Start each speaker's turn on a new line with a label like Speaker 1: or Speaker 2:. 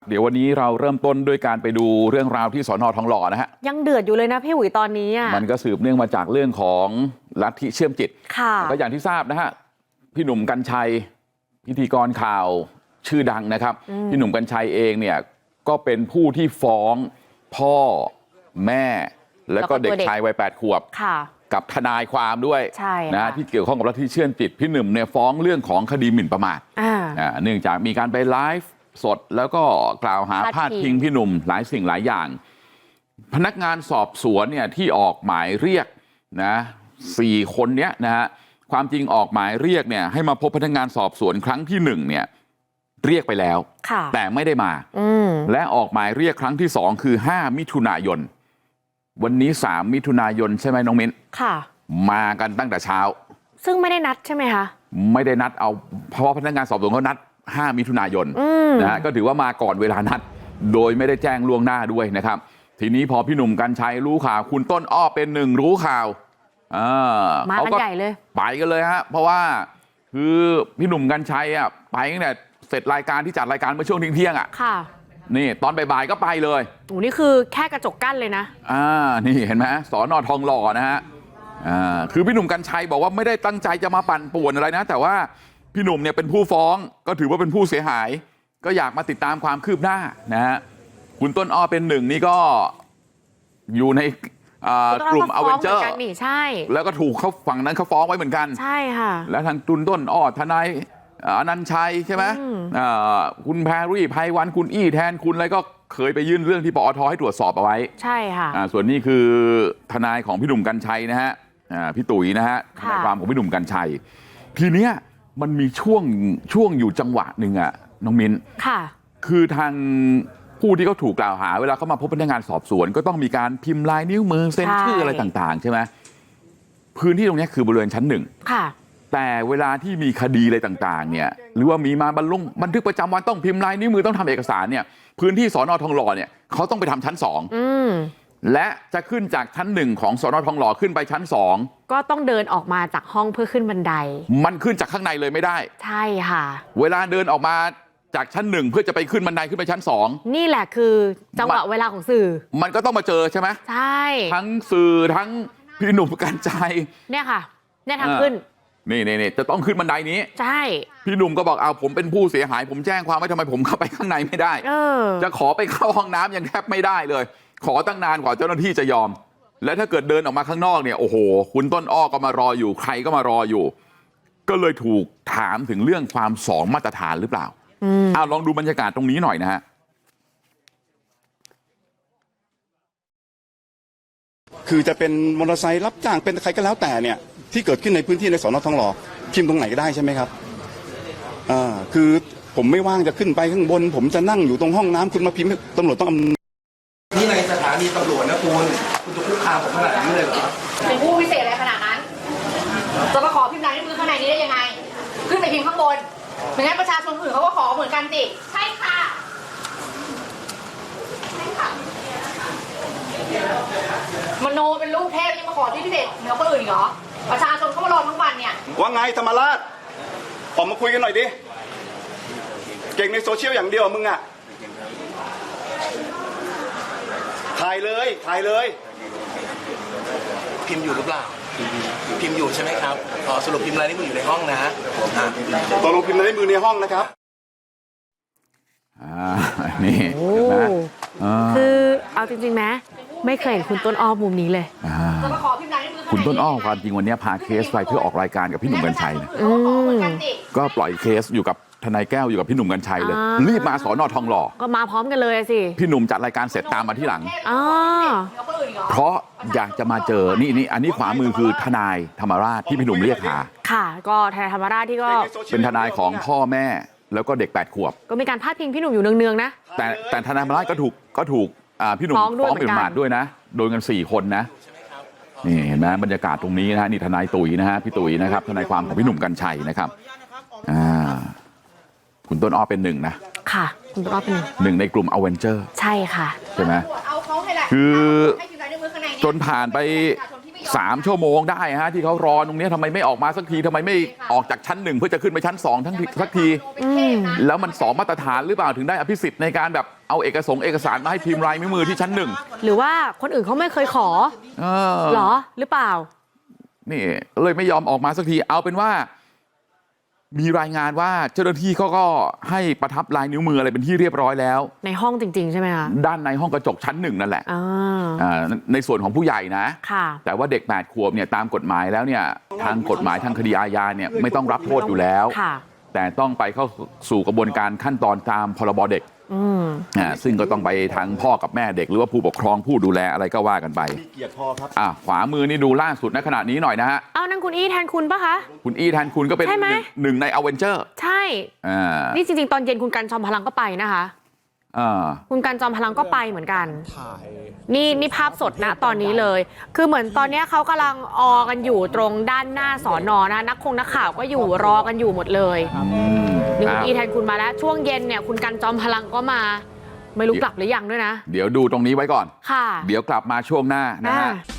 Speaker 1: เดี๋ยววันนี้เราเริ่มต้นด้วยการไปดูเรื่องราวที่สน.ทองหล่อนะฮะ
Speaker 2: ยังเดือดอยู่เลยนะพี่อุ๋ยตอนนี้อ่ะ
Speaker 1: มันก็สืบเนื่องมาจากเรื่องของลัทธิเชื่อมจิต
Speaker 2: ค่ะ
Speaker 1: ก็อย่างที่ทราบนะฮะพี่หนุ่มกรรชัยพิธีกรข่าวชื่อดังนะครับพี่หนุ่มกรรชัยเองเนี่ยก็เป็นผู้ที่ฟ้องพ่อแม่แล้วก็เด็กชายวัย8 ขวบกับทนายความด้วยนะที่เกี่ยวข้องกับลัทธิเชื่อมจิตพี่หนุ่มเนี่ยฟ้องเรื่องของคดีหมิ่นประมาทเนื่องจากมีการไปไลฟ์สดแล้วก็กล่าวหาพาดพิงพี่หนุ่มหลายสิ่งหลายอย่างพนักงานสอบสวนเนี่ยที่ออกหมายเรียกนะ4 คนเนี้ยนะฮะความจริงออกหมายเรียกเนี่ยให้มาพบพนักงานสอบสวนครั้งที่1เนี่ยเรียกไปแล้วแต่ไม่ได้มาและออกหมายเรียกครั้งที่2คือ5 มิถุนายนวันนี้3 มิถุนายนใช่ไหมน้องมิ้นค่ะมากันตั้งแต่เช้า
Speaker 2: ซึ่งไม่ได้นัดใช่ไหมคะ
Speaker 1: ไม่ได้นัดเอาเพราะพนักงานสอบสวนเขานัด5 มิถุนายนนะฮะก็ถือว่ามาก่อนเวลานัดโดยไม่ได้แจ้งล่วงหน้าด้วยนะครับทีนี้พอพี่หนุ่มกรรชัยรู้ข่าวคุณต้นอ้อเป็นหนึ่งรู้ข่าว
Speaker 2: มากันใหญ่เลย
Speaker 1: ไปกันเลยฮะเพราะว่าคือพี่หนุ่มกรรชัยอ่ะไปตั้งแต่เสร็จรายการที่จัดรายการเมื่อช่วงเที่ยงอ่ะค่ะนี่ตอนบ่ายๆก็ไปเลย
Speaker 2: โอ้นี่คือแค่กระจกกั้นเลยนะ
Speaker 1: นี่เห็นไหมสน.ทองหล่อนะฮะคือพี่หนุ่มกรรชัยบอกว่าไม่ได้ตั้งใจจะมาปั่นป่วนอะไรนะแต่ว่าพี่หนุ่มเนี่ยเป็นผู้ฟ้องก็ถือว่าเป็นผู้เสียหายก็อยากมาติดตามความคืบหน้านะฮะคุณต้นอ้อเป็นหนึ่งนี่ก็อยู่ในกลุ่มอเวนเจอร์
Speaker 2: ใช่
Speaker 1: แล้วก็ถูกเขาฝั่งนั้นเขาฟ้องไว้เหมือนกัน
Speaker 2: ใช่ค่ะ
Speaker 1: แล้วทางตุนต้นอ้อทนายอนันต์ชัยใช่ไหมคุณแพรรี่ไพวันคุณอี้แทนคุณอะไรก็เคยไปยื่นเรื่องที่ปอทให้ตรวจสอบเอาไว้
Speaker 2: ใช่ค่ะ
Speaker 1: ส่วนนี้คือทนายของพี่หนุ่มกรรชัยนะฮะพี่ตุ๋ยนะฮะทนายความของพี่หนุ่มกรรชัยทีเนี้ยมันมีช่วงอยู่จังหวะหนึ่งอะน้องมิ้น
Speaker 2: ค่ะ
Speaker 1: คือทางผู้ที่เขาถูกกล่าวหาเวลาเขามาพบพนักงานสอบสวนก็ต้องมีการพิมพ์ลายนิ้วมือเซ็นชื่ออะไรต่างๆใช่ไหมพื้นที่ตรงนี้คือบริเวณชั้น1
Speaker 2: ค่ะ
Speaker 1: แต่เวลาที่มีคดีอะไรต่างๆเนี่ยหรือว่ามีมาบันทึกประจำวันต้องพิมพ์ลายนิ้วมือต้องทำเอกสารเนี่ยพื้นที่สน.ทองหล่อเนี่ยเขาต้องไปทำชั้น2และจะขึ้นจากชั้น1ของสน.ทองหล่อขึ้นไปชั้น2
Speaker 2: ก็ต้องเดินออกมาจากห้องเพื่อขึ้นบันได
Speaker 1: มันขึ้นจากข้างในเลยไม่ได้
Speaker 2: ใช่ค่ะ
Speaker 1: เวลาเดินออกมาจากชั้น1เพื่อจะไปขึ้นบันไดขึ้นไปชั้น2
Speaker 2: นี่แหละคือจังหวะเวลาของสื่อ
Speaker 1: มันก็ต้องมาเจอใช่ไหม
Speaker 2: ใช่
Speaker 1: ทั้งสื่อทั้งพี่หนุ่มกรรชัย
Speaker 2: เนี่ยค่ะเนี่ยทางขึ้น
Speaker 1: นี่จะต้องขึ้นบันไดนี้
Speaker 2: ใช่
Speaker 1: พี่หนุ่มก็บอกเอาผมเป็นผู้เสียหายผมแจ้งความไว้ทำไมผมเข้าไปข้างในไม่ได้จะขอไปเข้าห้องน้ำยังแทบไม่ได้เลยขอตั้งนานกว่าเจ้าหน้าที่จะยอมและถ้าเกิดเดินออกมาข้างนอกเนี่ยโอ้โหคุณต้นอ้อก็มารออยู่ใครก็มารออยู่ก็เลยถูกถามถึงเรื่องความ2 มาตรฐานหรือเปล่าลองดูบรรยากาศตรงนี้หน่อยนะฮะ
Speaker 3: คือจะเป็นมอเตอร์ไซค์รับจ้างเป็นใครก็แล้วแต่เนี่ยที่เกิดขึ้นในพื้นที่ในสน.ทองหล่อพิมพ์ตรงไหนก็ได้ใช่ไหมครับคือผมไม่ว่างจะขึ้นไปข้างบนผมจะนั่งอยู่ตรงห้องน้ำคุณมาพิมพ์ตำรวจต้อง
Speaker 4: นี่ในสถานีตำรวจนะคุณจะคุกคามผมขนาดนี้เลยเหรอ
Speaker 5: เป็นผู้พิเศษอะไรขนาดนั้นจะมาขอพิมพ์ลายนิ้วมือข้างในนี้ได้ยังไงขึ้นไปพิมพ์ข้างบนไม่งั้นประชาชนอื่นเขาก็ขอเหมือนกันสิใช่ค่ะมโนเป็นลูกเทพยังมาขอที่พิเศษเหนือคนอื่นอีกเหรอประชาชนเขามารอทั้งวันเนี่ย
Speaker 3: ว่าไงธรรมราชออกมาคุยกันหน่อยดิเก่งในโซเชียลอย่างเดียวมึงอะถ่ายเลย
Speaker 4: พิมพ์อยู่หรือเปล่าพิมพ์อยู่ใช่ไหมครับสรุปพิมพ์ลายนิ้วมืออยู่ในห้องนะ
Speaker 3: ตกลงพิมพ์ลายนิ้วมือในห้องนะครับ
Speaker 1: นี่นะ
Speaker 2: คือเอาจริงๆไหมไม่เคยเห็นคุณต้นอ้อมุมนี้เลย
Speaker 1: คุณต้นอ้อความจริงวันนี้พาเคสไปเพื่อออกรายการกับพี่หนุ่มกรรชัยนะก็ปล่อยเคสอยู่กับทนายแก้วอยู่กับพี่หนุ่มกรรชัยเลยรีบมาสน.ทองหล่อ
Speaker 2: ก็มาพร้อมกันเลยสิ
Speaker 1: พี่หนุ่มจัดรายการเสร็จตามมาที่หลังเพราะอยากจะมาเจอนี่อันนี้ขวามือคือทนายธรรมราชที่พี่หนุ่มเรียกหา
Speaker 2: ค่ะก็ทนายธรรมราชที่ก็
Speaker 1: เป็นทนายของพ่อแม่แล้วก็เด็ก8 ขวบ
Speaker 2: ก็มีการพาดพิงพี่หนุ่มอยู่เนืองๆนะ
Speaker 1: แต่ทนายธรรมราชก็ถูกพี่หนุ่มฟ้องเป็นหมาดด้วยนะโดนกัน4 คนนะนี่เห็นไหมบรรยากาศตรงนี้นะฮะนี่ทนายตุ๋ยนะฮะพี่ตุ๋ยนะครับทนายความของพี่หนุ่มกรรชัยนะครับคุณต้นอ้อเป็นหนึ่งนะ
Speaker 2: ค่ะคุณต้นอ้อเป็น
Speaker 1: หนึ่งในกลุ่มอเวนเจอร์
Speaker 2: ใช่ค่ะ
Speaker 1: ใช่ไหมคือจนผ่านไป 3 ชั่วโมงได้ฮะที่เขารอตรงนี้ทำไมไม่ออกมาสักทีทำไมไม่ออกจากชั้น 1เพื่อจะขึ้นไปชั้น 2สักทีแล้วมัน2มาตรฐานหรือเปล่าถึงได้อภิสิทธิ์ในการแบบเอาเอกสารมาให้พิมพ์ลายนิ้วมือที่ชั้น 1
Speaker 2: หรือว่าคนอื่นเขาไม่เคยขอเหรอหรือเปล่า
Speaker 1: นี่เลยไม่ยอมออกมาสักทีเอาเป็นว่ามีรายงานว่าเจ้าหน้าที่เขาก็ให้ประทับลายนิ้วมืออะไรเป็นที่เรียบร้อยแล้ว
Speaker 2: ในห้องจริงๆใช่ไหมคะ
Speaker 1: ด้านในห้องกระจกชั้น 1นั่นแหละในส่วนของผู้ใหญ่นะแต่ว่าเด็ก8 ขวบเนี่ยตามกฎหมายแล้วเนี่ยทางกฎหมายทางคดีอาญาเนี่ยไม่ต้องรับโทษอยู่แล้วแต่ต้องไปเข้าสู่กระบวนการขั้นตอนตามพรบเด็กซึ่งก็ต้องไปทางพ่อกับแม่เด็กหรือว่าผู้ปกครองผู้ดูแลอะไรก็ว่ากันไป
Speaker 3: เกียรติพอครับ
Speaker 1: ขวามือนี่ดูล่าสุดณขณะนี้หน่อยนะฮะ
Speaker 2: เอานั่นคุณอี้แทนคุณปะคะ
Speaker 1: คุณอี้แทนคุณก็เป็นหนึ่งในอเวนเจอร์
Speaker 2: ใช่นี่จริงๆตอนเย็นคุณกันจอมพลังก็ไปนะคะคุณกันจอมพลังก็ไปเหมือนกันนี่ภาพสดนะตอนนี้เลยคือเหมือนตอนนี้เขากำลังกันอยู่ตรงด้านหน้าสอนอนะนักข่าวก็อยู่รอกันอยู่หมดเลยนี่คุณอี้แทนคุณมาแล้วช่วงเย็นเนี่ยคุณกันจอมพลังก็มาไม่รู้กลับหรือยังด้วยนะ
Speaker 1: เดี๋ยวดูตรงนี้ไว้ก่อน
Speaker 2: ค่ะ
Speaker 1: เดี๋ยวกลับมาช่วงหน้านะฮะ